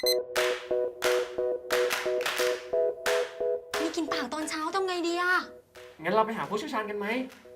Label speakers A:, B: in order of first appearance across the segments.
A: มีกลิ่นปากตอนเช้าทำไงดีอะ
B: งั้นเราไปหาผู้เชี่ยวชาญกันไหม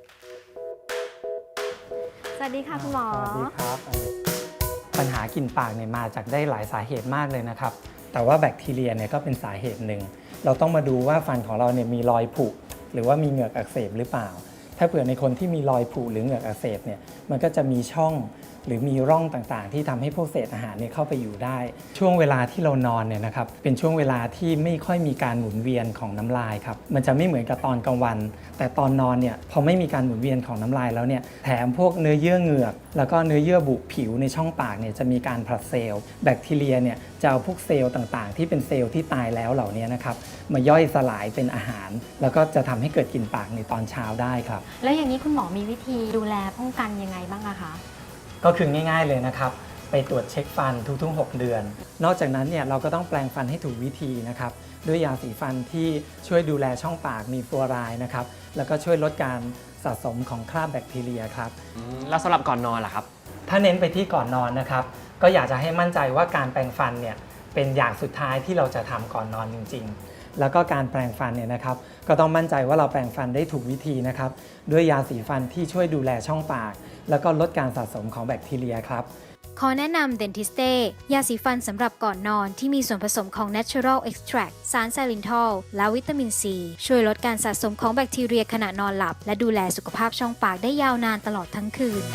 A: สวัสดีค่ะคุณหมอ
C: สวัสดีครับปัญหากลิ่นปากเนี่ยมาจากได้หลายสาเหตุมากเลยนะครับแต่ว่าแบคทีเรียเนี่ยก็เป็นสาเหตุหนึ่งเราต้องมาดูว่าฟันของเราเนี่ยมีรอยผุหรือว่ามีเหงือกอักเสบหรือเปล่าถ้าเผื่อในคนที่มีรอยผุหรือเหงือกอักเสบเนี่ยมันก็จะมีช่องหรือมีร่องต่างๆที่ทำให้พวกเศษอาหารเนี่ยเข้าไปอยู่ได้ช่วงเวลาที่เรานอนเนี่ยนะครับเป็นช่วงเวลาที่ไม่ค่อยมีการหมุนเวียนของน้ำลายครับมันจะไม่เหมือนกับตอนกลางวันแต่ตอนนอนเนี่ยพอไม่มีการหมุนเวียนของน้ำลายแล้วเนี่ยแถมพวกเนื้อเยื่อเหงือกแล้วก็เนื้อเยื่อบุผิวในช่องปากเนี่ยจะมีการผลัดเซลล์แบคทีเรียเนี่ยจะเอาพวกเซลล์ต่างๆที่เป็นเซลล์ที่ตายแล้วเหล่านี้นะครับมาย่อยสลายเป็นอาหารแล้วก็จะทำให้เกิดกลิ่นปากในตอนเช้าได้ครับ
A: แล้วอย่างนี้คุณหมอมีวิธีดูแลป้องกันยังไงบ้างอะคะ
C: ก็คือง่ายๆเลยนะครับไปตรวจเช็คฟันทุกๆ 6 เดือน นอกจากนั้นเนี่ยเราก็ต้องแปรงฟันให้ถูกวิธีนะครับด้วยยาสีฟันที่ช่วยดูแลช่องปากมีฟลูออไรด์นะครับแล้วก็ช่วยลดการสะสมของคราบแบคทีเรียครับ
B: แล้วสำหรับก่อนนอนล่ะครับ
C: ถ้าเน้นไปที่ก่อนนอนนะครับก็อยากจะให้มั่นใจว่าการแปรงฟันเนี่ยเป็นอย่างสุดท้ายที่เราจะทำก่อนนอนจริงๆ แล้วก็การแปรงฟันเนี่ยนะครับก็ต้องมั่นใจว่าเราแปรงฟันได้ถูกวิธีนะครับด้วยยาสีฟันที่ช่วยดูแลช่องปาก แล้วก็ลดการสะสมของแบคทีเรียครับ
D: ขอแนะนำ Dentiste ยาสีฟันสำหรับก่อนนอนที่มีส่วนผสมของ Natural Extract สารไซลินทอลและวิตามินซีช่วยลดการสะสมของแบคทีเรียขณะนอนหลับ และดูแลสุขภาพช่องปากได้ยาวนานตลอดทั้งคืน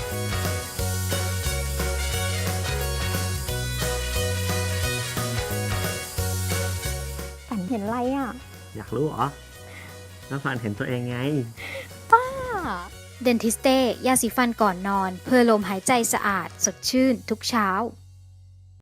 A: ฝันเห็นอะไรอะ
B: อยากรู้เหรอแล้วฟันเห็นตัวเองไง
D: Dentiste ยาสีฟันก่อนนอน เพื่อลมหายใจสะอาด สดชื่นทุกเช้า